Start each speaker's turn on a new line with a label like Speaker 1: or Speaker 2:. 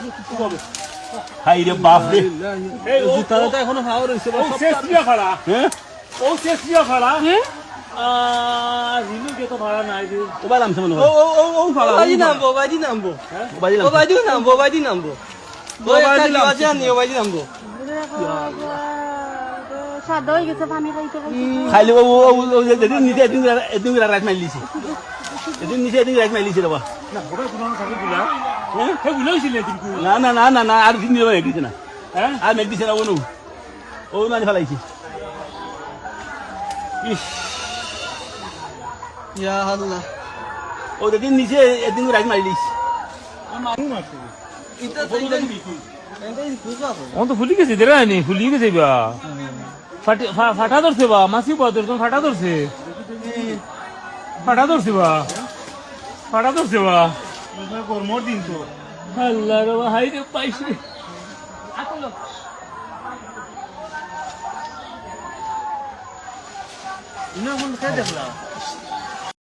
Speaker 1: হাই রে বাপ রে
Speaker 2: জুতাটা তো এখনো খাওয়া রয়েছে
Speaker 1: ও শেষ দিয়া ফাড়া
Speaker 2: হ্যাঁ
Speaker 1: ও শেষ দিয়া ফাড়া রিনু কে তো ভাড়া নাই রে
Speaker 2: ও বাই নামছে মনে
Speaker 1: ও
Speaker 2: হয়
Speaker 1: ও ও ও ফাড়া
Speaker 3: বাজি নামবো বাজি নামবো
Speaker 2: ও বাই
Speaker 3: ও
Speaker 2: নামছে
Speaker 3: বাজি নামবো বাজি নামবো ও একটা লিওয়া জানি ও বাজি নামবো
Speaker 4: সাদা হয়ে গেছে পানি খাইতে খাইতে
Speaker 2: খাইলে ও যেদিন নিচে এদিন রাইট মাইলিছে এদিন নিচে এদিন রাইট মাইলিছে রে বা
Speaker 1: না ওটা কোনো থাকে গুলা হ্যাঁ হে গুলা হইছিল কিন্তু
Speaker 2: না না না না না আর দিন দিবে দিছে না
Speaker 1: হ্যাঁ
Speaker 2: আর মেঘ দিছে না ও না ফেলাইছে ইস
Speaker 3: ইয়া আল্লাহ
Speaker 2: ও যেদিন নিচে এদিন রাইট মাইলিছে
Speaker 3: এটা তো এটা বুঝা তো
Speaker 1: ও তো ফুলি গেছে দেরা নি ফুলি গেছে বা ফাটা ধরছে বা মাসি বা ধরছে ফাটা ধরছে ফাটা ধরছে বা ফাটা ধরছে বা গরমর দিন তো আল্লাহ রে হাই রে পাইছে ইনা কোন কে দেখলা